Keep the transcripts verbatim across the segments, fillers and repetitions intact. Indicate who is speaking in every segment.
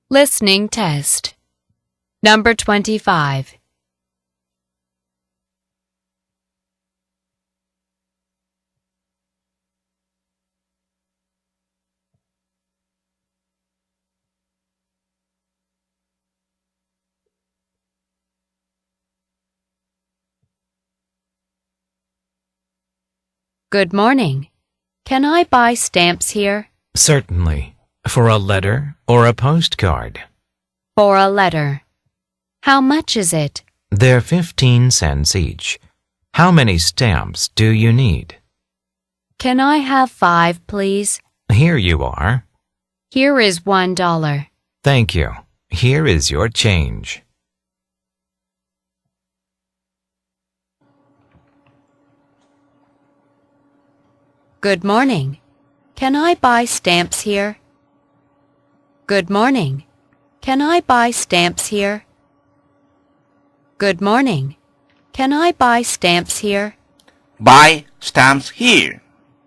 Speaker 1: Listening test. Number twenty-five. Good morning. Can I buy stamps here?
Speaker 2: Certainly. For a letter or a postcard?
Speaker 1: For a letter. How much is it?
Speaker 2: They're fifteen cents each. How many stamps do you need?
Speaker 1: Can I have five, please?
Speaker 2: Here you are.
Speaker 1: Here is one dollar.
Speaker 2: Thank you. Here is your change.
Speaker 1: Good morning. Can I buy stamps here? Good morning. Can I buy stamps here? Good morning. Can I buy stamps here?
Speaker 3: buy stamps here.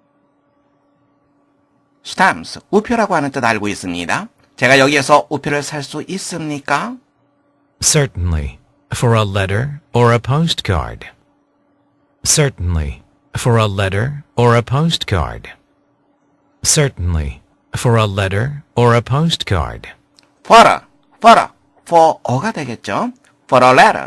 Speaker 3: stamps, 우표라고 하는 뜻 알고 있습니다. 제가 여기에서 우표를 살 수 있습니까?
Speaker 2: Certainly. For a letter or a postcard? Certainly. For a letter or a postcard? Certainly. For a letter or a postcard?
Speaker 3: for a, for a, for a가 되겠죠? for a letter.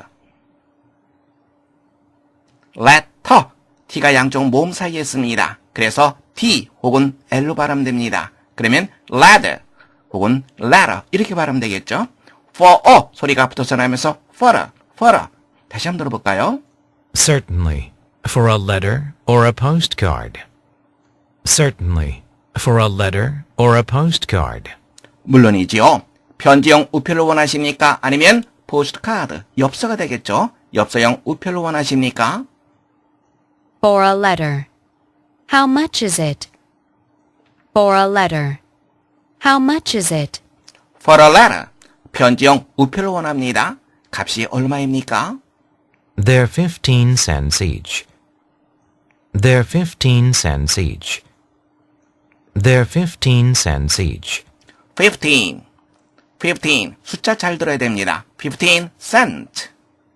Speaker 3: letter, t가 양쪽 모음 사이에 있습니다. 그래서 t 혹은 l로 발음됩니다. 그러면 letter 혹은 letter 이렇게 발음되겠죠? for a 소리가 붙어서 나면서 for a, for a. 다시 한번 들어볼까요?
Speaker 2: Certainly. For a letter or a postcard? Certainly. For a letter or a postcard?
Speaker 3: 물론이지요. 편지용 우표를 원하십니까? 아니면 포스트카드, 엽서가 되겠죠? 엽서용 우표를 원하십니까?
Speaker 1: For a letter. How much is it? For a letter. How much is it?
Speaker 3: for a letter. 편지용 우표를 원합니다. 값이 얼마입니까?
Speaker 2: They're fifteen cents each. They're fifteen cents each. They're fifteen cents each.
Speaker 3: fifteen. fifteen. 숫자 잘 들어야 됩니다. fifteen cent.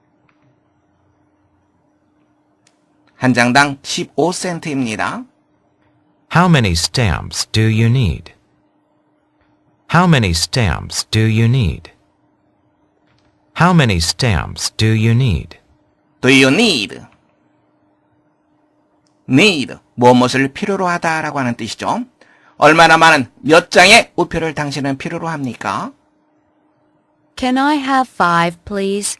Speaker 3: 한 장당 십오 센트입니다.
Speaker 2: How many stamps do you need? How many stamps do you need? How many stamps do you need?
Speaker 3: Do you need? need, 무엇을 필요로 하다라고 하는 뜻이죠. 얼마나 많은 몇 장의 우표를 당신은 필요로 합니까?
Speaker 1: Can I have five, please?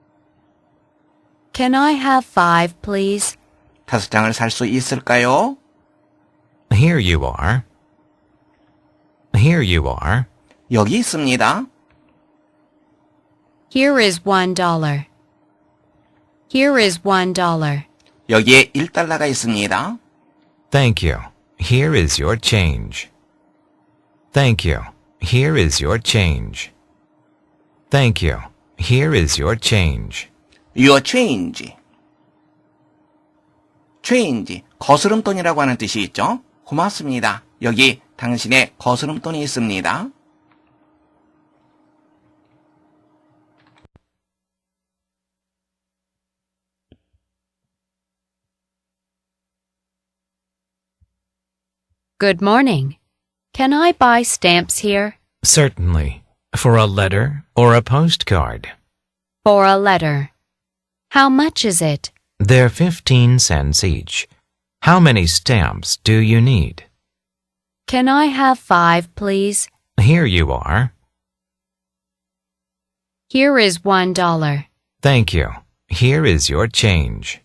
Speaker 1: Can I have five, please?
Speaker 3: 다섯 장을 살 수 있을까요?
Speaker 2: Here you are. Here you are.
Speaker 3: 여기 있습니다.
Speaker 1: Here is one dollar. Here is one dollar.
Speaker 3: 여기에 일 달러가 있습니다.
Speaker 2: Thank you. Here is your change. Thank you. Here is your change. Thank you. Here is your change.
Speaker 3: Your change. change, 거스름돈이라고 하는 뜻이 있죠. 고맙습니다. 여기 당신의 거스름돈이 있습니다.
Speaker 1: Good morning. Can I buy stamps here?
Speaker 2: Certainly. For a letter or a postcard?
Speaker 1: For a letter. How much is it?
Speaker 2: They're fifteen cents each. How many stamps do you need?
Speaker 1: Can I have five, please?
Speaker 2: Here you are.
Speaker 1: Here is one dollar.
Speaker 2: Thank you. Here is your change.